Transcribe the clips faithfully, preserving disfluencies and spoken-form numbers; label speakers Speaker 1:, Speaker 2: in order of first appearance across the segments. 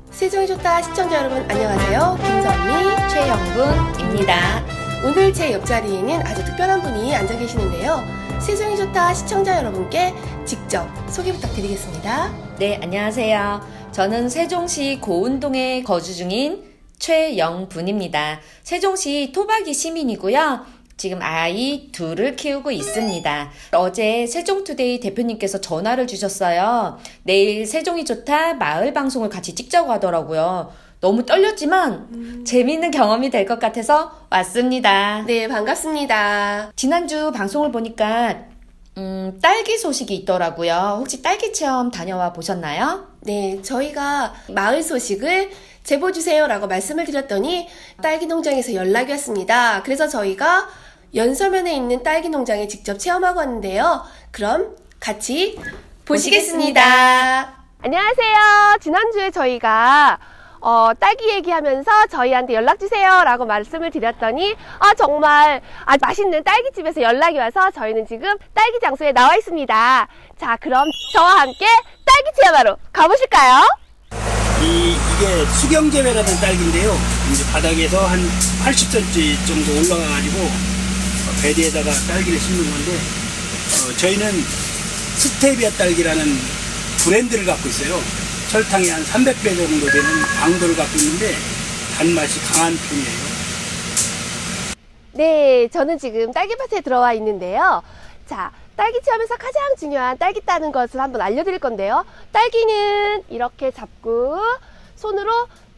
Speaker 1: 세종이 좋다 시청자 여러분 안녕하세요. 김선미,
Speaker 2: 최영분입니다.
Speaker 1: 오늘 제 옆자리에는 아주 특별한 분이 앉아 계시는데요. 세종이 좋다 시청자 여러분께 직접 소개 부탁드리겠습니다.
Speaker 2: 네, 안녕하세요. 저는 세종시 고운동에 거주 중인 최영분입니다. 세종시 토박이 시민이고요. 지금 아이 둘을 키우고 있습니다. 어제 세종투데이 대표님께서 전화를 주셨어요. 내일 세종이 좋다 마을 방송을 같이 찍자고 하더라고요. 너무 떨렸지만 음. 재미있는 경험이 될 것 같아서 왔습니다.
Speaker 1: 네, 반갑습니다.
Speaker 2: 지난주 방송을 보니까 음, 딸기 소식이 있더라고요. 혹시 딸기 체험 다녀와 보셨나요?
Speaker 1: 네, 저희가 마을 소식을 제보주세요 라고 말씀을 드렸더니 딸기 농장에서 연락이 왔습니다. 그래서 저희가 연서면에 있는 딸기 농장에 직접 체험하고 왔는데요. 그럼 같이 보시겠습니다. 보시겠습니다. 안녕하세요. 지난주에 저희가 어, 딸기 얘기하면서 저희한테 연락주세요 라고 말씀을 드렸더니 아 정말 아주 맛있는 딸기집에서 연락이 와서 저희는 지금 딸기 장소에 나와 있습니다. 자, 그럼 저와 함께 딸기 체험하러 가보실까요?
Speaker 3: 이, 이게 수경재배라는 딸기인데요. 이제 바닥에서 한 팔십 센티미터 정도 올라가가지고 베드에다가 딸기를 심는 건데, 어, 저희는 스테비아 딸기라는 브랜드를 갖고 있어요. 설탕이 한 삼백 배 정도 되는 강도를 갖고 있는데, 단맛이 강한 편이에요.
Speaker 1: 네, 저는 지금 딸기밭에 들어와 있는데요. 자, 딸기 체험에서 가장 중요한 딸기 따는 것을 한번 알려드릴 건데요. 딸기는 이렇게 잡고 손으로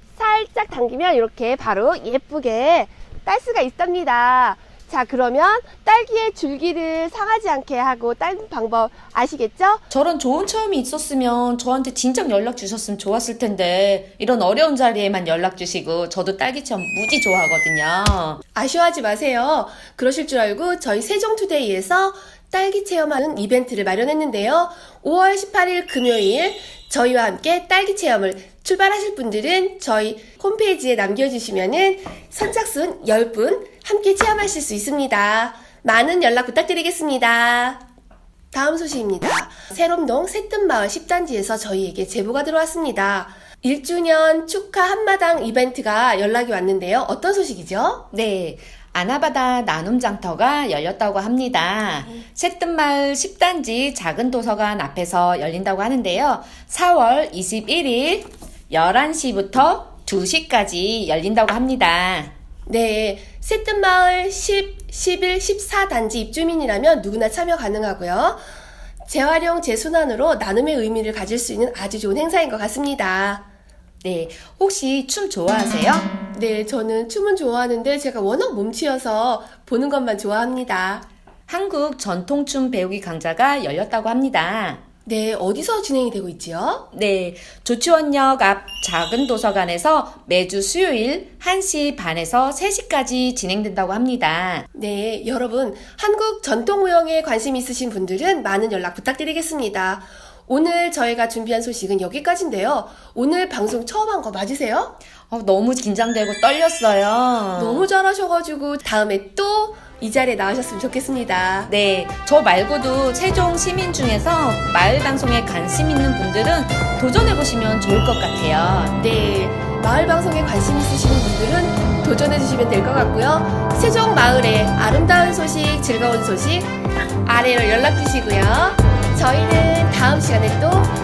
Speaker 1: 살짝 당기면 이렇게 바로 예쁘게 딸 수가 있답니다. 자, 그러면 딸기의 줄기를 상하지 않게 하고 따는 방법 아시겠죠?
Speaker 2: 저런 좋은 체험이 있었으면 저한테 진작 연락 주셨으면 좋았을 텐데 이런 어려운 자리에만 연락 주시고 저도 딸기 체험 무지 좋아하거든요.
Speaker 1: 아쉬워하지 마세요. 그러실 줄 알고 저희 세종투데이에서 딸기 체험하는 이벤트를 마련했는데요. 오월 십팔일 금요일 저희와 함께 딸기 체험을 출발하실 분들은 저희 홈페이지에 남겨주시면은 선착순 십 분 함께 체험하실 수 있습니다. 많은 연락 부탁드리겠습니다. 다음 소식입니다. 새롬동 새뜸마을 십 단지에서 저희에게 제보가 들어왔습니다. 일 주년 축하 한마당 이벤트가 연락이 왔는데요. 어떤 소식이죠?
Speaker 2: 네. 아나바다 나눔장터가 열렸다고 합니다. 새뜸마을 십 단지 작은 도서관 앞에서 열린다고 하는데요. 사월 이십일일 열한 시부터 두 시까지 열린다고 합니다.
Speaker 1: 네, 새뜸마을 십, 십일, 십사 단지 입주민이라면 누구나 참여 가능하고요. 재활용, 재순환으로 나눔의 의미를 가질 수 있는 아주 좋은 행사인 것 같습니다.
Speaker 2: 네, 혹시 춤 좋아하세요?
Speaker 1: 네, 저는 춤은 좋아하는데 제가 워낙 몸치여서 보는 것만 좋아합니다.
Speaker 2: 한국 전통춤 배우기 강좌가 열렸다고 합니다.
Speaker 1: 네, 어디서 진행이 되고 있지요?
Speaker 2: 네, 조치원역 앞 작은 도서관에서 매주 수요일 한 시 반에서 세 시까지 진행된다고 합니다.
Speaker 1: 네, 여러분 한국 전통무용에 관심 있으신 분들은 많은 연락 부탁드리겠습니다. 오늘 저희가 준비한 소식은 여기까지인데요. 오늘 방송 처음 한 거 맞으세요?
Speaker 2: 어, 너무 긴장되고 떨렸어요.
Speaker 1: 너무 잘하셔가지고 다음에 또 이 자리에 나오셨으면 좋겠습니다.
Speaker 2: 네, 저 말고도 세종 시민 중에서 마을 방송에 관심 있는 분들은 도전해보시면 좋을 것 같아요.
Speaker 1: 네, 마을 방송에 관심 있으시는 분들은 도전해주시면 될 것 같고요. 세종 마을의 아름다운 소식, 즐거운 소식 아래로 연락 주시고요. 저희는 다음 시간에 또